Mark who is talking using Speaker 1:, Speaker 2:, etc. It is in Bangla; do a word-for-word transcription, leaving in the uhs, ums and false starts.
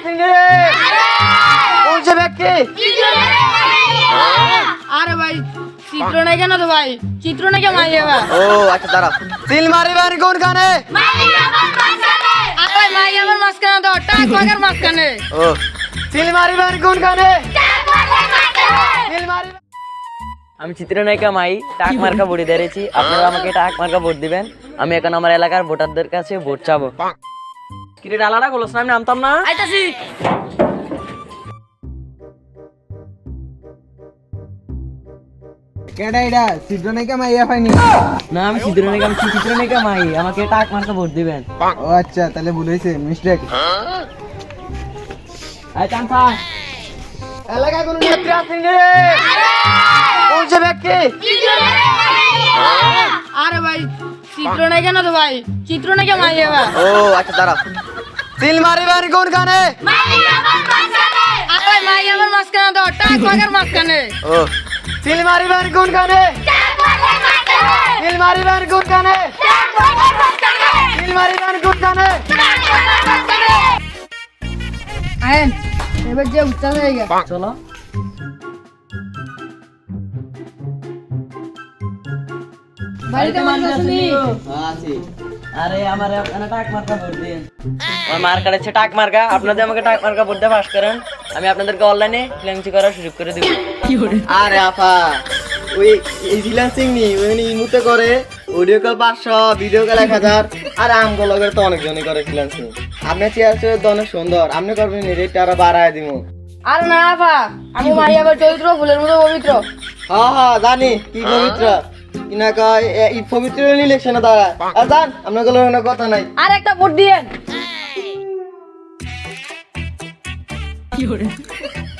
Speaker 1: আসেনি রে। কোন সে ব্যক্তি?
Speaker 2: আরে ভাই চিত্র নাই কেন তো ভাই চিত্র নাই কে মাই এবার
Speaker 1: ও আচ্ছা দাঁড়াও। সিল মারিবেন কোনখানে?
Speaker 2: আরে মাই আমার মাঝখানে তো টাক বাগার মাঝখানে
Speaker 1: ও সিল মারিবেন কোনখানে? সিল মারিবেন।
Speaker 3: আমি চিত্রনায়িকা মাই টাক মার্কা ভোটে দাঁড়িয়েছি। আপনারা আমাকে টাক মার্কা ভোট দিবেন। আমি এখন আমার এলাকার ভোটারদের কাছে ভোট চাবো। কিরে ডালাটা গোলস না, আমি নামতাম না।
Speaker 2: আইতাছি
Speaker 4: কেডা এটা চিত্রনায়িকা মাইয়া পাইনি।
Speaker 3: না আমি চিত্রনায়িকা, আমি চিত্রনায়িকা মাই, আমাকে টাক মার্কা ভোট দিবেন।
Speaker 4: ও আচ্ছা তাহলে ভুল হয়েছে, মিস্টেক।
Speaker 3: আই চাম্পা
Speaker 1: এলাকায় কোন নেত্রী আসেনি রে। কোন সে ব্যক্তি?
Speaker 2: আরে ভাই চিত্র নাই কেন তো ভাই চিত্র নাই কে মাই এবার
Speaker 1: ও আচ্ছা দাঁড়াও। সিল মারিবেন কোনখানে?
Speaker 2: আরে মাই আমার মাঝখানে তো টাক বাগার মাঝখানে
Speaker 1: ও সিল মারিবেন কোনখানে? সিল মারিবেন কোনখানে? সিল মারিবেন কোনখানে?
Speaker 2: আয়েন এবার যে উচ্চাস হয়ে গেছে
Speaker 3: চলো।
Speaker 2: বাড়িতে মানুষ আসেনি
Speaker 1: আছি।
Speaker 3: আরে আমার আপনারা টাক মার্কা ভোট দিন। আমার মার্কা আছে টাক মার্কা, আপনাদের আমাকে টাক মার্কা ভোট দিয়ে পাস করেন। আমি আপনাদেরকে অনলাইনে ফ্রিল্যান্সিং করার সুযোগ করে দিব।
Speaker 1: আরে আপা ওই ফ্রিল্যান্সিং নি ওই ইমুতে করে অডিও কল পাঁচশো, ভিডিও কল এক হাজার, আর আমগুলোকে তো অনেকজনই করে ফ্রিল্যান্সিং। আপনি চেয়ার চেয়ার তো অনেক সুন্দর, আপনি করবেন রেটটা আরো বাড়ায় দিব।
Speaker 2: আর না আপা আমি মাই আবার চরিত্র ফুলের মতো পবিত্র
Speaker 1: হ্যাঁ হ্যাঁ জানি কি পবিত্র কিনা কয় এ- এই পবিত্র ইলেকশনে দাঁড়ায়। আর জান আপনার গুলো কথা নাই।
Speaker 2: আর একটা ভোট দিয়েন